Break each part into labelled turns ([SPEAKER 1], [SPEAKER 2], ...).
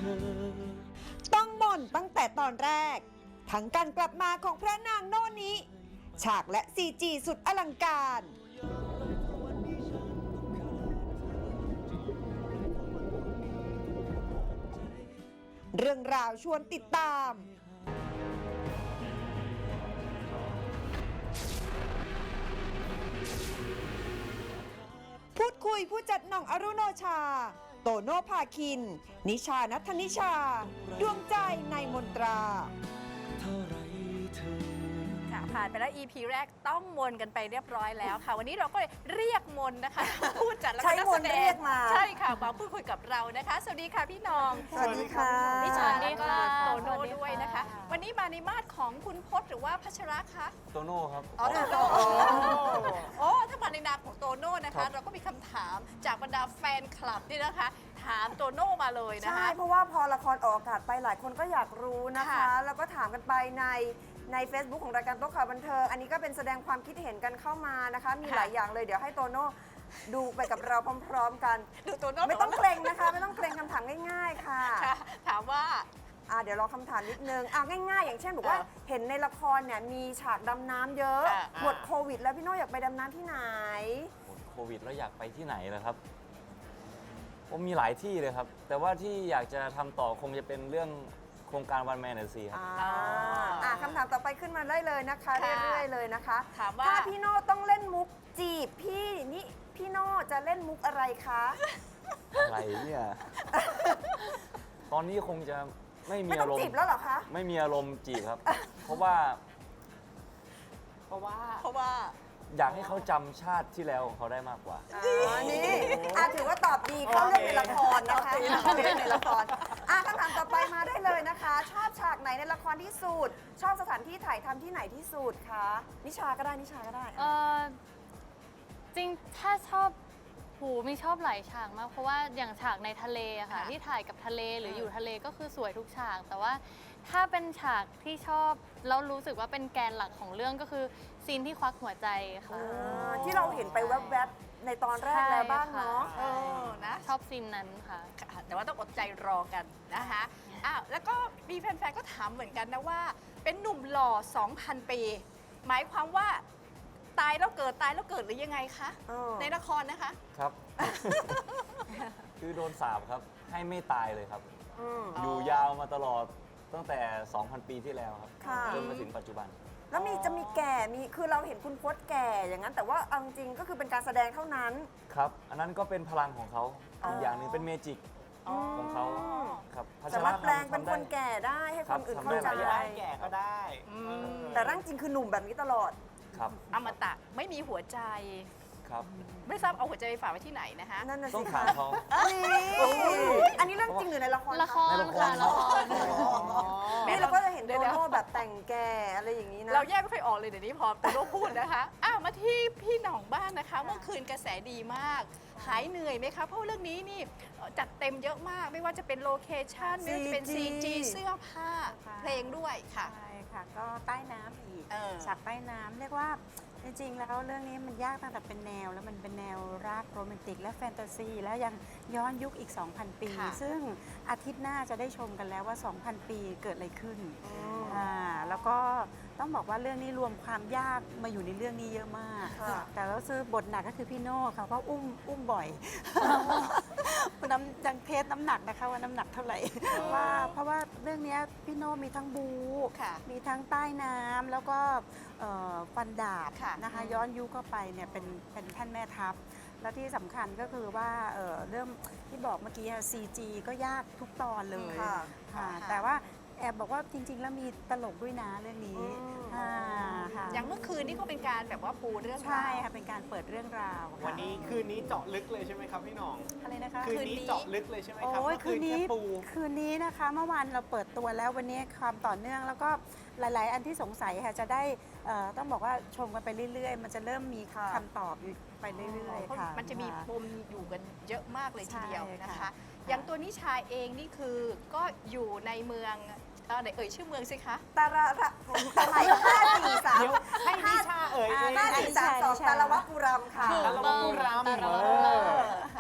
[SPEAKER 1] ต้องหม่นตั้งแต่ตอนแรก ทั้งการกลับมาของพระนางโน่นนี้ ฉากและ CG สุดอลังการ เรื่องราวชวนติดตาม พูดคุยผู้จัดหน่องอรุโนชา โตโน่ภาคิน นิชานัทธนิชา ดวงใจในมนตรา
[SPEAKER 2] ค่ะผ่านไปแล้ว EP แรกต้องมนกันไปเรียบร้อยแล้วค่ะ วันนี้เราก็เรียกมนนะคะ พูดจัดแล้วก็นักแสดงใช่ค่ะมาพูดคุยกับเรานะคะ สวัสดีค่ะพี่น้อง
[SPEAKER 1] สวัสดีค่ะ
[SPEAKER 2] นิชาแล้วก็โตโน่ด้วยนะคะ วันนี้มาในมาดของคุณพจน์หรือว่าพัชระคะ
[SPEAKER 3] โตโน่ครับ
[SPEAKER 2] อ๋อโตโน่โอ้ถ้ามาในนามของโตโน่นะคะ เราก็มีคำถามจากบรรดาแฟนคลับนี่นะคะ ถามโตโน่มาเลยนะคะ
[SPEAKER 4] ใช่ เพราะว่าพอละครออกอากาศไปหลายคนก็อยากรู้นะคะ
[SPEAKER 2] ค่ะ
[SPEAKER 4] แล้วก็ถามกันไปใน Facebook ของรายการโต๊ะข่าวบันเทิง อันนี้ก็เป็นแสดงความคิดเห็นกันเข้ามานะคะ มีหลายอย่างเลย เดี๋ยวให้โตโน่ดูไปกับเราพร้อมๆกัน
[SPEAKER 2] ดูโตโน่
[SPEAKER 4] ไม่ต้องเกรงนะคะ ไม่ต้องเกรงคำถามง่ายๆค่ะ
[SPEAKER 2] ค่ะถามว่า
[SPEAKER 4] เดี๋ยวรอคำถามนิดนึงง่ายๆ อย่างเช่นบอกว่าเห็นในละครเนี่ยมีฉากดำน้ำเยอะ หมดโควิด แล้วพี่โน่อยากไปดำน้ำที่ไหน
[SPEAKER 3] หมดโควิดแล้วอยากไปที่ไหนล่ะครับผมมีหลายที่เลยครับ แต่ว่าที่อยากจะทำต่อคงจะเป็นเรื่องโครงการวันแมนเดอร์ซีครับ
[SPEAKER 4] คำถามต่อไปขึ้นมาได้เลยนะคะ
[SPEAKER 2] ค่ะ
[SPEAKER 4] เรื่อยๆเลยนะคะ
[SPEAKER 2] ถามว่า
[SPEAKER 4] ถ้าพี่โน่ต้องเล่นมุกจีบพี่นี่พี่โน่จะเล่นมุกอะไรคะ
[SPEAKER 3] อะไรเนี่ย ตอนนี้คงจะไม่มี
[SPEAKER 4] ไม่ต้
[SPEAKER 3] อา
[SPEAKER 4] อง
[SPEAKER 3] รม
[SPEAKER 4] จีบ
[SPEAKER 3] ณ์
[SPEAKER 4] แล้วเหรอคะ
[SPEAKER 3] ไม่มีอารมณ์จีบครับ เพราะว่า
[SPEAKER 2] เพราะว่า
[SPEAKER 3] อยากให้เขาจำชาติที่แล้วของเขาได้มากกว่า
[SPEAKER 4] นี่ถือว่าตอบดีเข้าเรื่องในละครนะคะเข้าเรื่องในละครคำถามต่อไปมาได้เลยนะคะ ชอบฉากไหนในละครที่สุด ชอบสถานที่ถ่ายทำที่ไหนที่สุดคะนิชาก็ได้นิชาก็ได้
[SPEAKER 5] จริงถ้าชอบมีชอบหลายฉากมาก เพราะว่าอย่างฉากในทะเลอะค่ะ
[SPEAKER 2] ค่ะ
[SPEAKER 5] ที่ถ่ายกับทะเลหรืออยู่ทะเลก็คือสวยทุกฉาก แต่ว่าถ้าเป็นฉากที่ชอบแล้วรู้สึกว่าเป็นแกนหลักของเรื่องก็คือซีนที่ควักหัวใจค่ะ
[SPEAKER 4] ที่เราเห็นไปแวบๆในตอนแรกแล้วบ้างเนาะ
[SPEAKER 5] ใช่ค่ะ
[SPEAKER 2] นะ
[SPEAKER 5] ชอบซีนนั้นค่ะ
[SPEAKER 2] ค่ะแต่ว่าต้องอดใจรอกันนะคะแล้วก็มีแฟนๆ ก็ถามเหมือนกันนะว่า เป็นหนุ่มหล่อ 2,000 ปี หมายความว่าตายแล้วเกิดหรือยังไงคะ ในละครนะคะ
[SPEAKER 3] ครับ คือโดนสาปครับ ให้ไม่ตายเลยครับ
[SPEAKER 4] อืม
[SPEAKER 3] อยู่ยาวมาตลอดตั้งแต่ 2,000 ปีที่แล้วครับ
[SPEAKER 4] ค่ะ
[SPEAKER 3] จนมาถึงปัจจุบัน
[SPEAKER 4] แล้วจะมีแก่คือเราเห็นคุณพจน์แก่อย่างนั้น แต่ว่าเอาจริงๆก็คือเป็นการแสดงเท่านั้น
[SPEAKER 3] ครับ อันนั้นก็เป็นพลังของเขา
[SPEAKER 4] อ๋อ
[SPEAKER 3] อีกอย่างหนึ่งเป็นเมจิกของเขาครับพัช
[SPEAKER 4] สามารถแปลงเป็น
[SPEAKER 3] ทำ
[SPEAKER 4] ค
[SPEAKER 3] ได้
[SPEAKER 4] นแก่ได้ให้
[SPEAKER 3] ครั
[SPEAKER 4] ค
[SPEAKER 3] บ
[SPEAKER 4] นอื่น
[SPEAKER 3] ทำ
[SPEAKER 4] เข้า
[SPEAKER 3] ได้
[SPEAKER 4] ใจ
[SPEAKER 3] หลายอย่าง
[SPEAKER 6] แก่ก็ได้
[SPEAKER 4] แต่ร่างจริงคือหนุ่มแบบนี้ตลอด
[SPEAKER 3] ครับ
[SPEAKER 2] อมตะไม่มีหัวใจ
[SPEAKER 3] ครับ
[SPEAKER 2] ไม่ทราบเอาหัวใจไปฝากไว้ที่ไหนนะคะ
[SPEAKER 4] นั่นน่ะ
[SPEAKER 3] ต้อ
[SPEAKER 4] สิ
[SPEAKER 3] งถามเขา
[SPEAKER 4] อันนี้เรื่องจริงหรือในละคร
[SPEAKER 5] ละคร
[SPEAKER 3] ในละคร
[SPEAKER 5] ค่ะละคร
[SPEAKER 4] นี่เราก็จะเห็น
[SPEAKER 2] เดี๋
[SPEAKER 4] โต
[SPEAKER 2] ยว
[SPEAKER 4] โน่แบบแต่งแก่อะไรอย่างนี้นะ
[SPEAKER 2] เราแยกไม่ค่อยออกเลยเดี๋ยวนี้พอโตโน่พูดนะคะมาที่พี่หน่องบ้างนะคะ เมื่อคืนกระแสดีมาก หายเหนื่อยไหมคะ เพราะเรื่องนี้นี่จัดเต็มเยอะมาก ไม่ว่าจะเป็นโลเคชั่นไม่ว่าจะเป็น CG เสื้อผ้า เพลงด้วยค่ะ
[SPEAKER 7] ใช่ค่ะ ก็ใต้น้ำอีก
[SPEAKER 2] เออ
[SPEAKER 7] ฉากใต้น้ำเรียกว่าจริงๆแล้วเรื่องนี้มันยากตั้งแต่เป็นแนว แล้วมันเป็นแนวรักโรแมนติกและแฟนตาซี แล้วยังย้อนยุคอีก 2,000 ปี
[SPEAKER 2] ค่ะ
[SPEAKER 7] ซึ่งอาทิตย์หน้าจะได้ชมกันแล้วว่า 2,000 ปีเกิดอะไรขึ้นแล้วก็ต้องบอกว่าเรื่องนี้รวมความยากมาอยู่ในเรื่องนี้เยอะมาก
[SPEAKER 4] ค่ะ
[SPEAKER 7] แต่แล้วซื้อบทหนักก็คือพี่โน่ค่ะเพราะอุ้มบ่อย ยังเทสน้ำหนักนะคะว่าน้ำหนักเท่าไหร่ เพราะว่าเรื่องนี้พี่โน่มีทั้งบู
[SPEAKER 2] ค่ะ
[SPEAKER 7] มีทั้งใต้น้ำแล้วก็ฟันดาบ
[SPEAKER 2] ค่ะ
[SPEAKER 7] นะคะย้อนยุคเข้าไปเนี่ยเป็นท่านแม่ทัพ แล้วที่สำคัญก็คือว่าเรื่องที่บอกเมื่อกี้ CG ก็ยากทุกตอนเลย
[SPEAKER 4] ค่ะ
[SPEAKER 7] ค่ะ
[SPEAKER 2] ค่ะ
[SPEAKER 7] แต่ว่าแอบบอกว่าจริง ๆ แล้วมีตลกด้วยนะเรื่องนี้ค่ะ
[SPEAKER 2] อย่างเมื่อคืนนี่ก็เป็นการแบบว่าปูเรื่อง
[SPEAKER 7] ใช่
[SPEAKER 2] ราว
[SPEAKER 7] ค่ะเป็นการเปิดเรื่องราวค่ะ
[SPEAKER 6] วันนี้คืนนี้เจาะลึกเลยใช่ไหมครับพี่หน้อง
[SPEAKER 7] อะไรนะคะ
[SPEAKER 6] คืนนี้เจาะลึกเลยใช่ไหมครับ
[SPEAKER 7] โอ้ย
[SPEAKER 6] เมื่อคืนแค่ปู
[SPEAKER 7] คืนนี้นะคะ เมื่อวานเราเปิดตัวแล้ววันนี้ความต่อเนื่องแล้วก็หลาย ๆ อันที่สงสัยค่ะจะได้ต้องบอกว่าชมกันไปเรื่อย ๆ มันจะเริ่มมี
[SPEAKER 4] ค่ะ
[SPEAKER 7] คำตอบอยู่ไปเรื่อย
[SPEAKER 2] เพราะ
[SPEAKER 7] ๆ ค่ะ
[SPEAKER 2] มันจะมีปมอยู่กันเยอะมากเลยทีเดียว
[SPEAKER 7] ใช่
[SPEAKER 2] นะคะ
[SPEAKER 7] ค่ะ
[SPEAKER 2] อย่างตัวนิชาเองนี่คือก็อยู่ในเมืองไหนเอ่ยชื่อเมืองสิคะ
[SPEAKER 4] ตาระสมัย543
[SPEAKER 6] เดี๋ยวให้นิชาเอ่ยเอง
[SPEAKER 4] 543 2ตาละวะปุรัมค่ะ
[SPEAKER 6] ตาละวะปุราม
[SPEAKER 5] ตาละวะปุราม
[SPEAKER 2] อ่ะ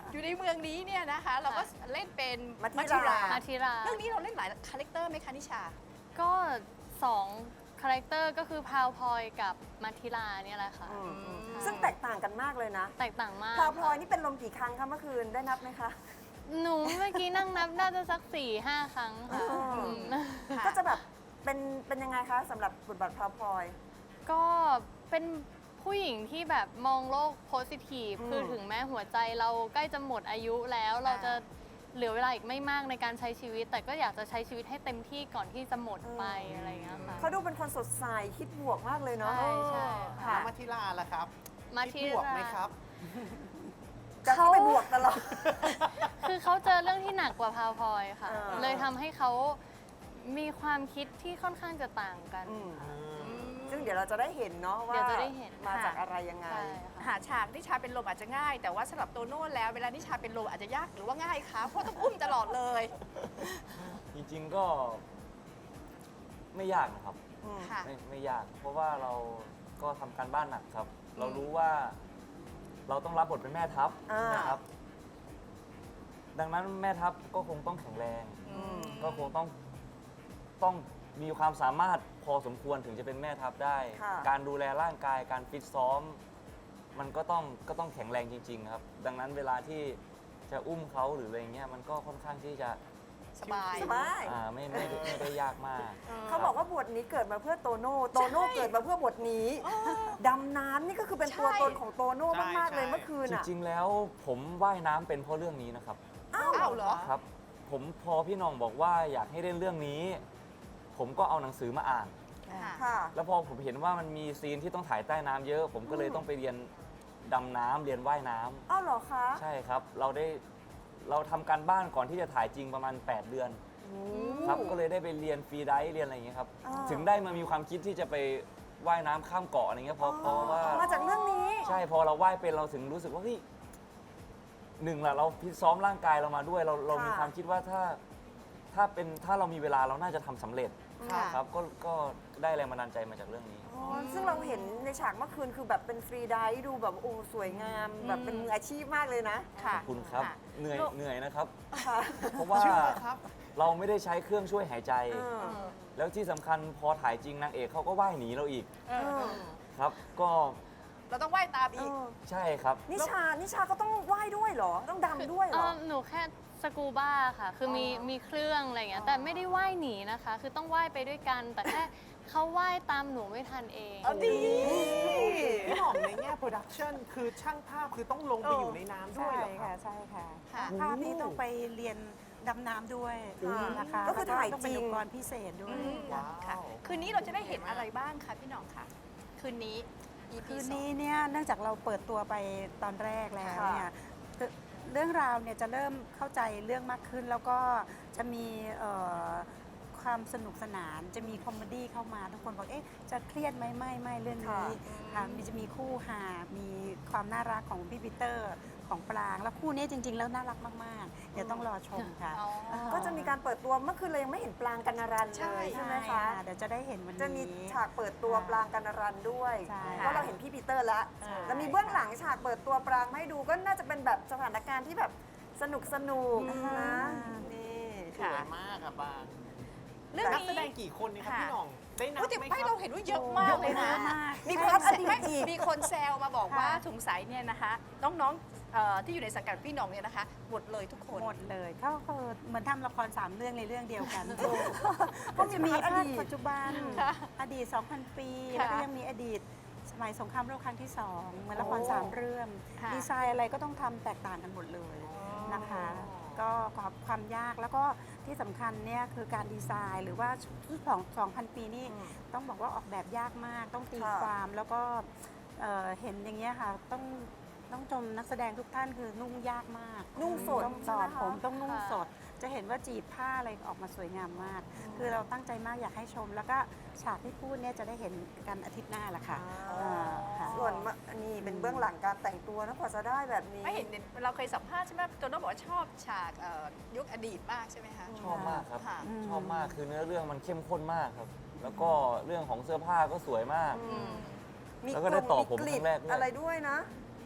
[SPEAKER 2] อยู่ในเมืองนี้เนี่ยนะคะ เราก็เล่นเป็น
[SPEAKER 4] มัทธิรา
[SPEAKER 5] มาทิรา
[SPEAKER 2] เรื่องนี้เราเล่นหลายคาแรคเตอร์ไหมคะนิชา
[SPEAKER 5] ก็2คาแรคเตอร์ก็คือพาวพลอยกับมาทิราเนี่ยแหละค่ะ
[SPEAKER 4] ซึ่งแตกต่างกันมากเลยนะ
[SPEAKER 5] แตกต่างมาก
[SPEAKER 4] พลาวพลอย
[SPEAKER 5] ค่ะ
[SPEAKER 4] นี่เป็นลมกี่ครั้งคะเมื่อคืนได้นับไหมคะ
[SPEAKER 5] หนูเมื่อกี้นั่งนับน่าจะสัก 4-5 ครั้งค่ะ
[SPEAKER 4] อ๋ออื
[SPEAKER 5] ม
[SPEAKER 2] ค่ะ
[SPEAKER 4] ก็จะแบบเป็นยังไงคะสำหรับบทบาทพลาวพลอย
[SPEAKER 5] ก็เป็นผู้หญิงที่แบบมองโลกโพสิทีฟ คือถึงแม้หัวใจเราใกล้จะหมดอายุแล้วเราจะเหลือเวลาอีกไม่มากในการใช้ชีวิต แต่ก็อยากจะใช้ชีวิตให้เต็มที่ก่อนที่จะหมดไปอะไรอย่างเงี้ยค่ะ
[SPEAKER 4] เขาดูเป็นคนสดใสคิดบวกมากเลยเนาะ
[SPEAKER 5] ใช่ใช่
[SPEAKER 4] ค่ะ
[SPEAKER 6] แล้วมาทิลาล่ะครับ
[SPEAKER 5] มา
[SPEAKER 6] คิ
[SPEAKER 5] ทิ
[SPEAKER 6] ดบวก
[SPEAKER 5] รา
[SPEAKER 6] ไหมครับ
[SPEAKER 4] จะเข้าไปบวกตลอด
[SPEAKER 5] คือเขาเจอเรื่องที่หนักกว่าพาวพลอยค่ะ
[SPEAKER 4] เออ
[SPEAKER 5] เลยทำให้เขามีความคิดที่ค่อนข้างจะต่างกัน
[SPEAKER 4] ซึ่งเดี๋ยวเราจะได้เห็นเนาะว่า
[SPEAKER 5] เดี๋ยวจะได้เห็น
[SPEAKER 4] มาจากอะไรยังไง
[SPEAKER 5] ใช่ค่ะ
[SPEAKER 2] หาฉากนิชาเป็นลมอาจจะง่าย แต่ว่าสำหรับโตโน่แล้วเวลานิชาเป็นลมอาจจะยากหรือว่าง่ายคะเพราะต้องอุ้มตลอดเลย
[SPEAKER 3] จริงๆก็ไม่ยากนะครับ
[SPEAKER 2] ค่ะ
[SPEAKER 3] ไม่ยาก เพราะว่าเราก็ทำการบ้านหนักครับ เรารู้ว่าเราต้องรับบทเป็นแม่ทัพ
[SPEAKER 4] อ่าน
[SPEAKER 3] นะครับ ดังนั้นแม่ทัพก็คงต้องแข็งแรง ก็คงต้องมีความสามารถพอสมควรถึงจะเป็นแม่ทัพได้
[SPEAKER 4] ค่ะ
[SPEAKER 3] การดูแลร่างกายการฟิตซ้อม มันก็ต้องแข็งแรงจริง ๆ ครับ ดังนั้นเวลาที่จะอุ้มเขาหรืออะไรเงี้ยมันก็ค่อนข้างที่จะ
[SPEAKER 2] สบาย
[SPEAKER 4] สบาย
[SPEAKER 3] ไม่ได้ยากมาก
[SPEAKER 4] เขาบอกว่าบทนี้เกิดมาเพื่อโตโน่ โตโน่เกิดมาเพื่อบทนี้ ดำน้ำนี่ก็คือเป็นตัวตนของโตโน่มากๆเลยเมื่อคืน
[SPEAKER 3] จ
[SPEAKER 4] อ่ะ
[SPEAKER 3] ริง ๆ แล้วผมว่ายน้ำเป็นเพราะเรื่องนี้นะครับ
[SPEAKER 4] อ้าว
[SPEAKER 2] อ้าวเหรอ
[SPEAKER 3] ครับ ผมพอพี่น้องบอกว่าอยากให้เล่นเรื่องนี้ ผมก็เอาหนังสือมาอ่าน
[SPEAKER 2] ค่ะ
[SPEAKER 4] ค่ะ
[SPEAKER 3] แล้วพอผมเห็นว่ามันมีซีนที่ต้องถ่ายใต้น้ำเยอะ ผมก็เลยต้องไปเรียนดำน้ำเรียนว่ายน้ำ
[SPEAKER 4] อ้าวเหรอคะ
[SPEAKER 3] ใช่ครับ เราทำการบ้านก่อนที่จะถ่ายจริงประมาณ 8 เดือน
[SPEAKER 4] โอ้
[SPEAKER 3] ครับ ก็เลยได้ไปเรียนฟรีไดฟ์เรียนอะไรอย่างเงี้ยครับ
[SPEAKER 4] อ่า
[SPEAKER 3] ถึงได้มามีความคิดที่จะไปว่ายน้ำข้ามเกาะอะไรเงี้ยเพราะว่า
[SPEAKER 4] มาจากเรื่องนี้
[SPEAKER 3] ใช่พอเราว่ายเป็นเราถึงรู้สึกว่าเฮ้ยหนึ่งละเราพิตซ้อมร่างกายเรามาด้วยเรามีความคิดว่าถ้าเรามีเวลาเราน่าจะทำสำเร็จ
[SPEAKER 2] ค่ะ
[SPEAKER 3] ครับก็ได้แรงบันดาลใจมาจากเรื่องนี้
[SPEAKER 4] อ๋อซึ่งเราเห็นในฉากเมื่อคืนคือแบบเป็นฟรีไดฟ์ดูแบบโอ้สวยงาม แบบเป็นมืออาชีพมากเลยนะ
[SPEAKER 2] ค่ะ
[SPEAKER 3] ขอบคุณครับ
[SPEAKER 2] ค่ะ
[SPEAKER 3] เหนื่อยนะครับ
[SPEAKER 4] ค่ะ
[SPEAKER 3] เพราะว่าเราไม่ได้ใช้เครื่องช่วยหายใจ
[SPEAKER 4] เออ
[SPEAKER 3] แล้วที่สำคัญพอถ่ายจริงนางเอกเขาก็ว่ายหนีเราอีก
[SPEAKER 2] เออ
[SPEAKER 3] ครับ ก็
[SPEAKER 2] เราต้องว่ายตามอีก
[SPEAKER 3] ใช่ครับ
[SPEAKER 4] นิชาก็ต้องว่ายด้วยเหรอ ต้องดำด้วยเหรอ
[SPEAKER 5] หนูแค่สกูบ้าค่ะ คือมีเครื่องอะไรอย่างเงี้ย แต่ไม่ได้ว่ายหนีนะคะ คือต้องว่ายไปด้วยกัน แต่แค่เขาว่ายตามหนูไม่ทันเอง
[SPEAKER 2] เอาดี
[SPEAKER 6] พี่หอมในแง่โปรดักชันคือช่างภาพคือต้องลงไปอยู่ในน้ำด้ว
[SPEAKER 7] ใช่
[SPEAKER 6] ยเหรอครั
[SPEAKER 7] ค่ะ
[SPEAKER 6] บ
[SPEAKER 7] ใช่ค่ะ
[SPEAKER 2] ค่ะ
[SPEAKER 7] ภาพนี้ต้องไปเรียนดำน้ำด้วยนะคะ
[SPEAKER 4] ก็คือถ่าย
[SPEAKER 7] แล้วต้องเป็น
[SPEAKER 4] จริง
[SPEAKER 7] อุปกรณ์พิเศษด้วย
[SPEAKER 6] ว้าว
[SPEAKER 2] ค่ะ คืนนี้เราจะได้เห็นอะไรบ้างคะพี่หน้องคะคืนนี้ EP
[SPEAKER 7] คืน
[SPEAKER 2] สอง
[SPEAKER 7] นี้เนี่ยเนื่องจากเราเปิดตัวไปตอนแรกแล้วเนี่ยเรื่องราวเนี่ยจะเริ่มเข้าใจเรื่องมากขึ้น แล้วก็จะมีความสนุกสนาน จะมีคอมเมดี้เข้ามาทุกคนบอกเอ๊ะจะเครียดไหมไม่เรื่องนี้ค่ะจะมีคู่หามีความน่ารักของพี่ปีเตอร์ของปราง แล้วคู่นี้จริง ๆ แล้วน่ารักมากๆ เดี๋ยวต้องรอชมค่ะ
[SPEAKER 2] อ๋อ
[SPEAKER 4] ก็จะมีการเปิดตัวเมื่อคืนเรายังไม่เห็นปรางกัณรันเลยใช่ไหมคะ
[SPEAKER 7] เดี๋ยวจะได้เห็นวันนี้
[SPEAKER 4] จะมีฉากเปิดตัวปรางกัณรันด้วย
[SPEAKER 7] ใช่
[SPEAKER 4] เพราะเราเห็นพี่ปีเตอร์แล้ว
[SPEAKER 7] ใช่
[SPEAKER 4] แล้วมีเบื้องหลังฉากเปิดตัวปรางมาให้ดูก็น่าจะเป็นแบบสถานการณ์ที่แบบสนุกนะนี่
[SPEAKER 6] สวยมากอะบาง
[SPEAKER 2] เรื่อง
[SPEAKER 6] นัก
[SPEAKER 2] นี้
[SPEAKER 6] แสดงกี่คนนี่ครับ
[SPEAKER 2] ค่ะ
[SPEAKER 6] พี่หน่อง ได้นับ
[SPEAKER 2] อุ๊ยแต่
[SPEAKER 6] ไหมค
[SPEAKER 2] ไม่
[SPEAKER 6] รั
[SPEAKER 2] เรา
[SPEAKER 6] บ
[SPEAKER 2] เห็นว่าเยอะมากเลยนะ
[SPEAKER 4] มีพลัสอดีต
[SPEAKER 2] ไม่
[SPEAKER 4] อีก
[SPEAKER 2] มีคนแซวมาบอกว่าถุงใสเนี่ยนะคะ น้องๆที่อยู่ในสังกัดพี่หน้องเนี่ยนะคะหมดเลยทุกคน
[SPEAKER 7] หมดเลยเขาคือเหมือนทำละคร3เรื่องในเรื่องเดียวกัน
[SPEAKER 4] ก็
[SPEAKER 7] ก็
[SPEAKER 4] มี
[SPEAKER 7] จะมี
[SPEAKER 4] ภาคอ
[SPEAKER 7] ภาค
[SPEAKER 4] ดีต
[SPEAKER 7] ปัจจุบัน
[SPEAKER 2] ค่ะ
[SPEAKER 7] อดีต 2,000 ปี
[SPEAKER 2] ค่ะ
[SPEAKER 7] แล้วก็ยังมีอดีตสมัยสงครามโลกครั้งที่ 2 เหมือนละคร
[SPEAKER 4] โอ้
[SPEAKER 7] 3 เรื่อง
[SPEAKER 2] ค่ะ
[SPEAKER 7] ดีไซน์อะไรก็ต้องทำแตกต่างกันหมดเลยนะคะ ก็ความยากแล้วก็ที่สำคัญเนี่ยคือการดีไซน์หรือว่าชุดของ2,000 ปีนี่ต้องบอกว่าออกแบบยากมาก ต้องตี
[SPEAKER 4] ค่ะ
[SPEAKER 7] ความแล้วก็เห็นอย่างเงี้ยค่ะต้องชมนักแสดงทุกท่านคือนุ่งยากมาก
[SPEAKER 4] นุ่งสด
[SPEAKER 7] ต้อง
[SPEAKER 4] ใช่
[SPEAKER 7] ต่
[SPEAKER 4] ไห
[SPEAKER 7] อ
[SPEAKER 4] มคะ
[SPEAKER 7] ผมต้องนุ่ง
[SPEAKER 5] ค่ะ
[SPEAKER 7] สด จะเห็นว่าจีบผ้าอะไรออกมาสวยงามมาก คือเราตั้งใจมากอยากให้ชม แล้วก็ฉากที่พูดเนี่ยจะได้เห็นกันอาทิตย์หน้าแหละค่ะค่ะ
[SPEAKER 4] ส่วนนี่เป็นเบื้องหลังการแต่งตัวนะกว่าจะได้แบบนี้
[SPEAKER 2] ไม่เห็นเราเคยสัมภาษณ์ใช่ไหมตัวน้องบอกว่าชอบฉากยุคอดีตมากใช่ไหมคะ
[SPEAKER 3] ชอบมากครับ
[SPEAKER 2] ค่ะ
[SPEAKER 3] ชอบมากคือเนื้อเรื่องมันเข้มข้นมากครับ แล้วก็เรื่องของเสื้อผ้าก็สวยมาก
[SPEAKER 2] อืม
[SPEAKER 4] มี
[SPEAKER 3] แล้วก็ได้ต่อผม
[SPEAKER 4] กลิ่
[SPEAKER 3] ครั้งแรกด้วย
[SPEAKER 4] อะไรด้วยนะ
[SPEAKER 3] ใ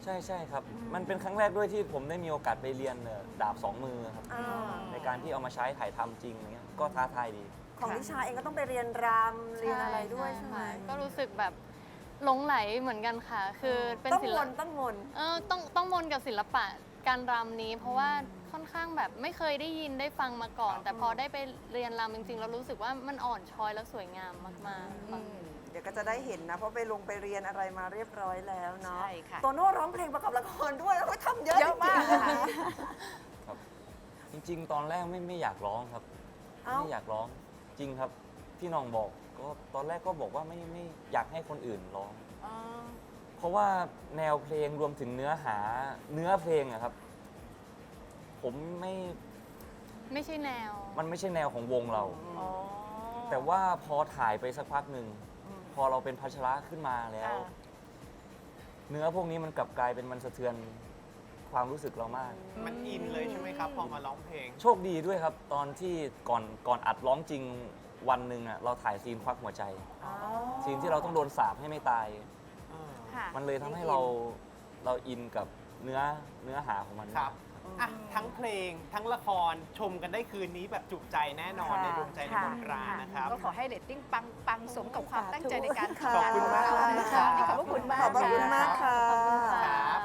[SPEAKER 3] ใช่ใช่ครับ มันเป็นครั้งแรกด้วยที่ผมได้มีโอกาสไปเรียนดาบสองมือครับ ในการที่เอามาใช้ถ่ายทำจริงอะไรเงี้ยก็ท้าทายดี
[SPEAKER 4] ของนิชาเองก็ต้องไปเรียนรำเรียนอะไรด้วยใช่ไหม
[SPEAKER 5] ก็รู้สึกแบบหลงไหลเหมือนกันค่ะ คือเป็น
[SPEAKER 4] ต้อง
[SPEAKER 5] ศิ
[SPEAKER 4] ม
[SPEAKER 5] ล
[SPEAKER 4] น
[SPEAKER 5] ปะ
[SPEAKER 4] ต้องมน
[SPEAKER 5] ต้องมนกับศิลปะการรำนี้ เพราะว่าค่อนข้างแบบไม่เคยได้ยินได้ฟังมาก่อน แต่พอได้ไปเรียนรำจริงๆเรารู้สึกว่ามันอ่อนช้อยแล้วสวยงามมากๆค่ะ
[SPEAKER 4] เดี๋ยวก็จะได้เห็นนะ เพราะไปลงไปเรียนอะไรมาเรียบร้อยแล้วเนาะ
[SPEAKER 2] ใช่ค่ะ
[SPEAKER 4] โตโน่ร้องเพลงประกอบละครด้วยโอ้ยทำเยอะ
[SPEAKER 2] เยอะมาก
[SPEAKER 4] จริงๆ
[SPEAKER 2] ค่ะ
[SPEAKER 3] ครับ จริงๆ ตอนแรกไม่อยากร้องครับ
[SPEAKER 4] เอ้า
[SPEAKER 3] ไม่อยากร้องจริงครับพี่น้องบอกก็ตอนแรกก็บอกว่าไม่อยากให้คนอื่นร้อง เพราะว่าแนวเพลงรวมถึงเนื้อเพลงอะครับ ผม
[SPEAKER 5] ไม่ใช่แนว
[SPEAKER 3] มันไม่ใช่แนวของวงเรา แต่ว่าพอถ่ายไปสักพักหนึ่งพอเราเป็นพัชระขึ้นมาแล้ว เนื้อพวกนี้มันกลับกลายเป็นมันสะเทือนความรู้สึกเรามาก
[SPEAKER 6] มันอินเลยใช่ไหมครับ พอมาร้องเพลง
[SPEAKER 3] โชคดีด้วยครับ ตอนที่ก่อนอัดร้องจริงวันหนึ่งอะเราถ่ายซีนควักหัวใจ ซีนที่เราต้องโดนสาปให้ไม่ตาย
[SPEAKER 2] ค่ะ
[SPEAKER 3] มันเลยทำให้เราอินกับเนื้อหาของมัน
[SPEAKER 6] ครับอ่ะทั้งเพลงทั้งละครชมกันได้คืนนี้แบบจุใจแน่นอน
[SPEAKER 4] ค่ะ
[SPEAKER 6] ในดวงใจในมนตรานะครับ
[SPEAKER 2] ก็ขอให้เรตติ้งปังสมกับความตั้งใจในการ
[SPEAKER 4] ค่ะ
[SPEAKER 2] ทำงานของเรานะคะนี่ขอบพระคุณมาก
[SPEAKER 4] ขอบพระคุณมากค่ะ
[SPEAKER 5] ขอบคุณค่ะ